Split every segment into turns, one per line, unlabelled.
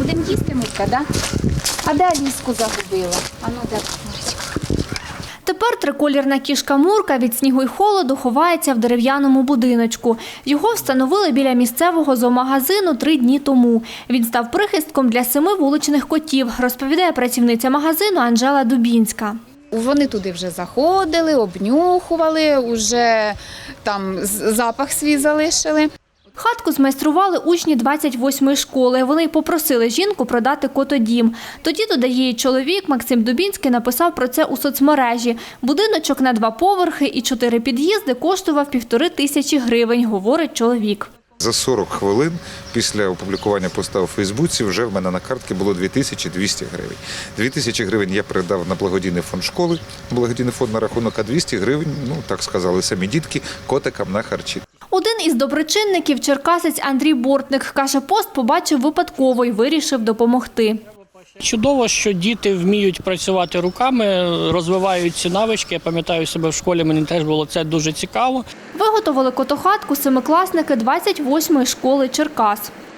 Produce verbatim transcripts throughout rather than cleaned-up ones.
Будемо їсти, Мурка, да? А де Аліску загубила? А ну, де Мурочка?
Тепер триколірна кішка Мурка від снігу й холоду ховається в дерев'яному будиночку. Його встановили біля місцевого зоомагазину три дні тому. Він став прихистком для семи вуличних котів, розповідає працівниця магазину Анжела Дубінська.
Вони туди вже заходили, обнюхували, вже там запах свій залишили.
Хатку змайстрували учні двадцять восьмої школи. Вони попросили жінку продати котодім. Тоді, додає її чоловік, Максим Дубінський написав про це у соцмережі. Будиночок на два поверхи і чотири під'їзди коштував півтори тисячі гривень, говорить чоловік.
За сорок хвилин після опублікування поста у Фейсбуці вже в мене на картці було дві тисячі двісті гривень. дві тисячі гривень я передав на благодійний фонд школи, благодійний фонд на рахунок, а двісті гривень, ну так сказали самі дітки, котикам на харчі.
Один із доброчинників, черкасець Андрій Бортник, каже, пост побачив випадково і вирішив допомогти.
Чудово, що діти вміють працювати руками, розвивають ці навички. Я пам'ятаю себе в школі, мені теж було це дуже цікаво.
Виготовили котохатку семикласники двадцять восьмої школи Черкас.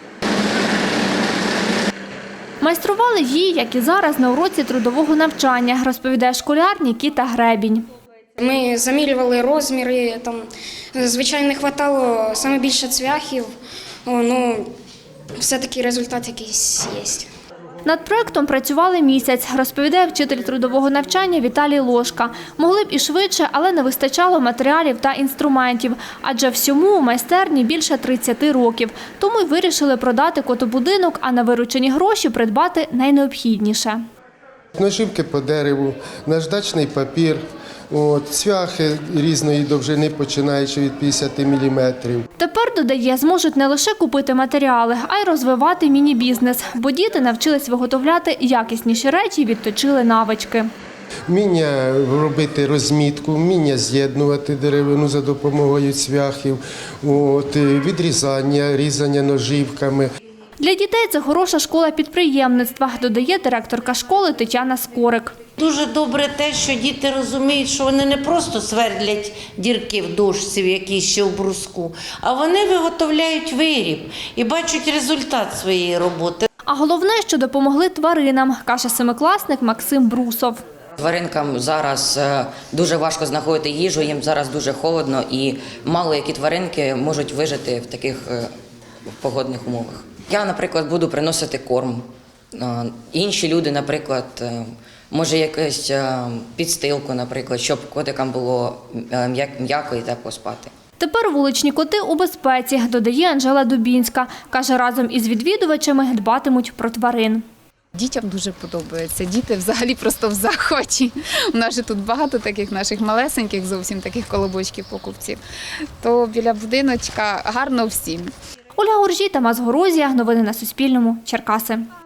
Майстрували її, як і зараз, на уроці трудового навчання, розповідає школяр Нікіта Гребінь.
Ми замірювали розміри, там, звичайно, не вистачало саме більше цвяхів, ну, все-таки результат якийсь є.
Над проєктом працювали місяць, розповідає вчитель трудового навчання Віталій Лошка. Могли б і швидше, але не вистачало матеріалів та інструментів, адже всьому у майстерні більше тридцяти років. Тому й вирішили продати котобудинок, а на виручені гроші придбати найнеобхідніше.
Наживки по дереву, наждачний папір, от, цвяхи різної довжини, починаючи від п'ятдесят міліметрів.
Тепер, додає, зможуть не лише купити матеріали, а й розвивати міні-бізнес, бо діти навчились виготовляти якісніші речі і відточили навички.
Вміння робити розмітку, вміння з'єднувати деревину за допомогою цвяхів, от, відрізання, різання ножівками.
Для дітей це хороша школа підприємництва, додає директорка школи Тетяна Скорик.
Дуже добре те, що діти розуміють, що вони не просто свердлять дірки в дошці, в якійсь ще в бруску, а вони виготовляють виріб і бачать результат своєї роботи.
А головне, що допомогли тваринам, каже семикласник Максим Брусов.
Тваринкам зараз дуже важко знаходити їжу, їм зараз дуже холодно і мало які тваринки можуть вижити в таких погодних умовах. Я, наприклад, буду приносити корм. Інші люди, наприклад, може якусь підстилку, наприклад, щоб котикам було м'яко і тепло спати.
Тепер вуличні коти у безпеці, додає Анжела Дубінська. Каже, разом із відвідувачами дбатимуть про тварин.
Дітям дуже подобається. Діти взагалі просто в захваті. У нас же тут багато таких наших малесеньких, зовсім таких колобочків-покупців. То біля будиночка гарно всім.
Ольга Гуржій, Тамас Горозія. Новини на Суспільному. Черкаси.